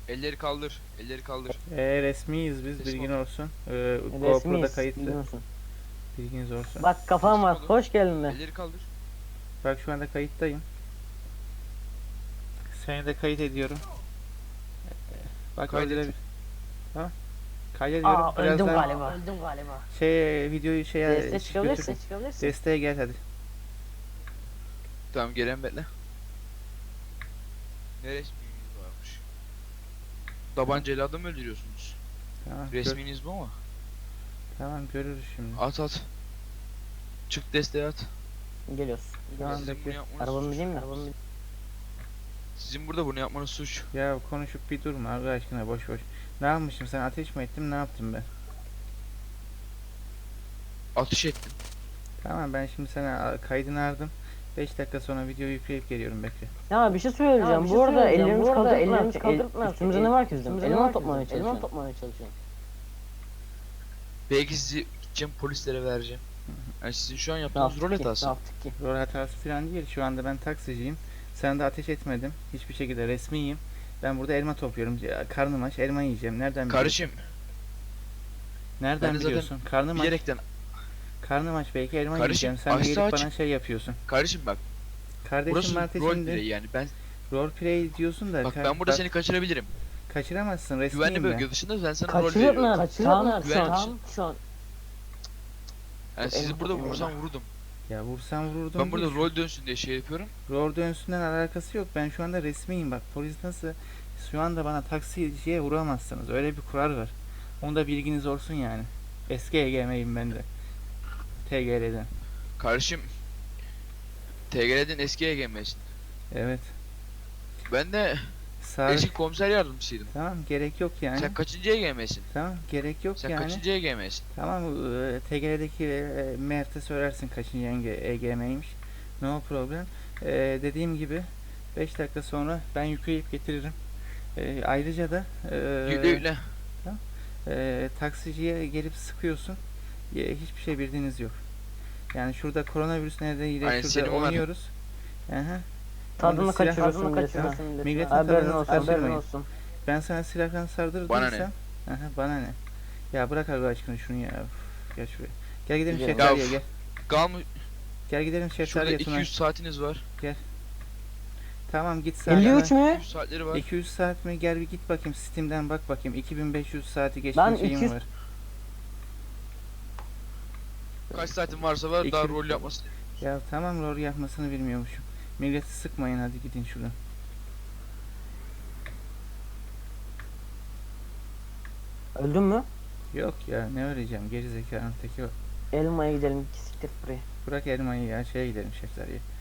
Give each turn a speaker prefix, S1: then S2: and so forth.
S1: Elleri kaldır. Elleri kaldır.
S2: Resmiyiz biz,
S1: Teslim
S2: bilgin
S1: ol.
S2: olsun. GoPro'da
S3: Resmiyiz.
S2: kayıtlı,
S3: Biliyorsun.
S2: bilginiz olsun.
S3: Bak kafam
S1: Teslim
S3: var.
S1: olun.
S3: Hoş geldin de.
S1: Elleri kaldır.
S2: Bak şu anda kayıttayım. Seni de kayıt ediyorum. Bak
S1: Kaydet.
S2: öldürebilir. Tamam. Kaydediyorum.
S3: Aa öldüm
S2: Birazdan
S3: galiba. Öldüm galiba.
S2: videoyu şeye
S3: Deste çıkabilirsin.
S2: götür.
S3: Çıkabilirsin.
S2: Desteğe gel hadi.
S1: Tamam gelen bekle. Ne resminiz varmış? Tabancayla adam öldürüyorsunuz.
S2: Tamam.
S1: Resminiz bu mu?
S2: Tamam görürüz şimdi.
S1: At at. Çık desteğe at.
S3: Geliyoruz.
S2: Tamam,
S1: Sizin
S2: bekle.
S1: bunu yapmanız
S3: Arabamı
S1: suç.
S3: bineyim mi?
S1: Sizin burada bunu yapmanız suç.
S2: Ya konuşup bir durma Allah aşkına, boş boş. Ne yapmışım, sen ateş mi ettim, ne yaptım ben?
S1: Atış ettim.
S2: Tamam, ben şimdi sana kaydını aldım. 5 dakika sonra videoyu yükleyip geliyorum, bekle.
S3: Ya bir şey söyleyeceğim. Bu arada ellerimiz kaldırıp ne üstümüzde ne var ki bizim? Elman toplamaya çalışıyorum.
S1: Belki sizi gideceğim polislere vereceğim. Yani sizin şu an
S3: Ne
S1: yaptığınız rol
S3: yaptık ki? Ne
S1: hatası.
S3: yaptık ki?
S2: Rol hatası falan değil. Şu anda ben taksiciyim. Sana da ateş etmedim. Hiçbir şekilde resmiyim. Ben burada elma topluyorum. Karnım aç, elma yiyeceğim. Nereden biliyorsun?
S1: Kardeşim
S2: Nereden
S1: ben de zaten
S2: biliyorsun? Karnım aç.
S1: bilerekten.
S2: Karnım aç, belki elma
S1: Kardeşim,
S2: yiyeceğim. Sen de
S1: açsa
S2: gelip
S1: aç.
S2: bana şey yapıyorsun.
S1: Kardeşim bak.
S2: Kardeşim
S1: Burası rol
S2: ateşinde
S1: play yani.
S2: rol play diyorsun da
S1: Bak ben burada seni kaçırabilirim.
S2: kaçıramazsın, resmiyim
S1: Güvenli
S2: ben.
S1: bölge dışında ben sana rol
S3: Kaçırıyor
S1: veriyorum.
S3: mu? Tamam
S1: Güvenli
S3: şu an.
S1: Yani sizi
S3: Elma
S1: burada
S3: topluyorum
S1: vursam vururdum.
S2: Ya vursam vururdum
S1: Ben burada
S2: değil.
S1: rol dönsün diye şey yapıyorum.
S2: Rol dönsünden alakası yok. Ben şu anda resmiyim bak. Polis nasıl? Şu anda bana taksiciye vuramazsınız. Öyle bir kural var. Onu da bilginiz olsun yani. Eski EGM'yim ben de. TGR'den.
S1: Kardeşim TGR'den eski EGM'sin.
S2: Evet.
S1: Ben de
S2: Sağ.
S1: eski komiser yardımcısıydım.
S2: Tamam, gerek yok yani.
S1: Sen kaçıncı EGM'sin?
S2: Tamam, gerek yok
S1: Sen
S2: yani.
S1: kaçıncı EGM'sin?
S2: Tamam, TGR'deki Mert'e söylersin kaçıncı EGM'ymiş. No problem. Dediğim gibi 5 dakika sonra ben yükleyip getiririm. Ayrıca da
S1: Yükle yükle.
S2: taksiciye gelip sıkıyorsun. Hiçbir şey bildiğiniz yok. Yani şurada koronavirüs nedeniyle
S1: Aynen,
S2: şurada
S1: senin onlar.
S2: oynuyoruz. Aha.
S3: Tadını
S2: Silah-
S3: kaçırıyorsun milletin.
S2: Milletin
S3: Haberin
S2: tadını
S3: olsun. Haberin
S2: kaçırmayın.
S3: olsun.
S2: Ben sana silahla sardırdıysam.
S1: Bana ne?
S2: Aha, bana ne? Ya bırak Allah aşkına şunu ya. Uf, gel şuraya. Gel gidelim
S3: Gidelim.
S2: şeftaliye
S1: Ya,
S2: gel.
S1: Kalmış.
S2: Gel gidelim
S1: Şurada
S2: şeftaliye Tuna.
S1: 200 saatiniz var.
S2: Tamam, git saat.
S3: 53 mü?
S1: 200 saatleri var.
S2: 200 saat mi? Gel bir git bakayım, Steam'den bak bakayım. 2500 saati geçmiş
S3: Ben
S2: şeyim
S3: 200
S2: var.
S1: Kaç saatin varsa var, daha
S2: 200
S1: rol yapmasın.
S2: Ya tamam, rol yapmasını bilmiyormuşum. Milleti sıkmayın, hadi gidin şuradan.
S3: Öldün mü?
S2: Yok ya, ne öleceğim, geri zekanın teki o.
S3: Elmaya gidelim. Siktir buraya.
S2: Bırak elmayı ya, şeye gidelim şeftaliye.